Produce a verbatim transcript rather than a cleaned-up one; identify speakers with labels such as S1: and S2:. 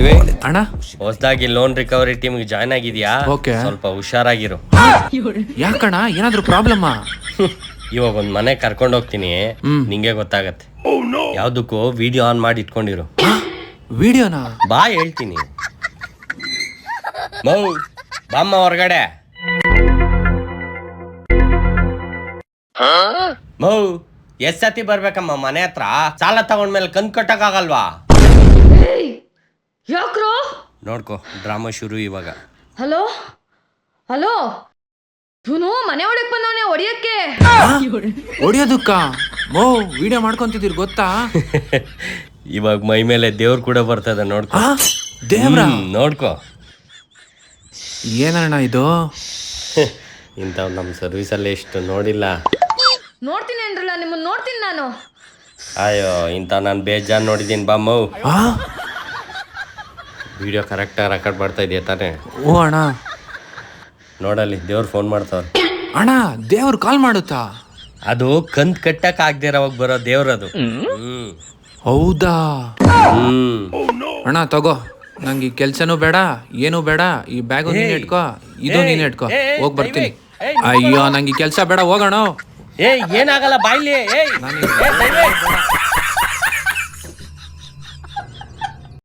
S1: ದೇವಿ
S2: ಅಣ್ಣ
S1: ಹೊಸದಾಗಿ loan recovery ಟೀಮ್ಗೆ ಜಾಯ್ನ್ ಆಗಿದ್ಯಾ?
S2: Okay.
S1: ಸ್ವಲ್ಪ ಹುಷಾರಾಗಿರು.
S2: ಯಾಕಣ್ಣ ಏನಾದ್ರು ಪ್ರಾಬ್ಲಮ್?
S1: ಇವಾಗ ಒಂದ್ ಮನೆ ಕರ್ಕೊಂಡು ಹೋಗ್ತೀನಿ,
S2: ಹ್ಮ್.
S1: ನಿಂಗೆ ಗೊತ್ತಾಗತ್ತೆ. ಯಾವ್ದಕ್ಕೂ ವಿಡಿಯೋ ಆನ್ ಮಾಡಿ ಇಟ್ಕೊಂಡಿರು.
S2: ವಿಡಿಯೋನಾ?
S1: ಬಾ ಹೇಳ್ತೀನಿ. ಮೌ ಬಾಮ್ಮ ಹೊರಗಡೆ. ಮೌ ಎಷ್ಟ್ ಸತಿ ಬರ್ಬೇಕಮ್ಮ ಮನೆ ಹತ್ರ? ಸಾಲ ತಗೊಂಡ್ಮೇಲೆ ಕಂತ್ ಕಟ್ಟಕ್ ಆಗಲ್ವಾ?
S3: ಯಾಕ್ರೋ?
S1: ನೋಡ್ಕೋ ಡ್ರಾಮಾ ಶುರು ಇವಾಗ.
S3: ಹಲೋ ಹಲೋ ಇವನು ಮನೆ ಒಳಗೆ ಬಂದವನೇ ಹೊಡಿಯಕ್ಕೆ.
S2: ಹೊಡಿಯೋದಕ್ಕ? ಮೋ ವಿಡಿಯೋ ಮಾಡ್ಕೊಂತಿದ್ದೀರಿ ಗೊತ್ತಾ?
S1: ಇವಾಗ ಮೈ ಮೇಲೆ ದೇವ್ರು ಕೂಡ ಬರ್ತದೆ ನೋಡ್ಕೋ.
S2: ಆ? ದೇವ್ರ?
S1: ಹ್ಮ್, ನೋಡ್ಕೋ.
S2: ಏನಣ್ಣ ಇದು?
S1: ಇಂಥವ್ ನಮ್ಮ ಸರ್ವಿಸಲ್ಲಿ ಎಷ್ಟು ನೋಡಿಲ್ಲ.
S3: ನೋಡ್ತೀನಿ ಅಂದ್ರಲ್ಲ, ನಿಮ್ಮನ್ನ ನೋಡ್ತೀನಿ ನಾನು.
S1: ಅಯ್ಯೋ ಇಂಥ ನಾನು ಬೇಜಾನ್ ನೋಡಿದ್ದೀನಿ ಬಾಮ್ಮು.
S2: ಆ?
S1: ವಿಡಿಯೋ ಕರೆಕ್ಟಾಗಿ ರೆಕಾರ್ಡ್ ಮಾಡ್ತಾ ಇದೆಯಾ ತಾನೇ?
S2: ಓ ಅಣ್ಣ.
S1: ನೋಡಲ್ಲಿ ದೇವ್ರು ಫೋನ್ ಮಾಡ್ತಾವ್ರೆ.
S2: ಅಣ್ಣ ದೇವ್ರು ಕಾಲ್ ಮಾಡುತ್ತಾ?
S1: ಅದು ಕಂತ್ ಕಟ್ಟಕ್ ಆಗದಿರೋವಾಗ ಬರೋ ದೇವ್ರದು. ಹ್ಮ್
S2: ಹೌದಾ?
S1: ಹ್ಮ್
S2: ಅಣ್ಣ ತಗೋ, ನಂಗೆ ಈ ಕೆಲ್ಸನೂ ಬೇಡ ಏನೂ ಬೇಡ. ಈ ಬ್ಯಾಗು ನೀನ್ ಇಟ್ಕೋ, ಇದು ನೀನ್ ಇಟ್ಕೋ, ಹೋಗ್ ಬರ್ತೀನಿ. ಅಯ್ಯೋ ನಂಗೆ ಈ ಕೆಲ್ಸ ಬೇಡ, ಹೋಗೋಣ.
S1: ಏಯ್ ಏನಾಗಲ್ಲ ಬಾಯ್ಲಿ. ಏಯ್
S2: ನಾನು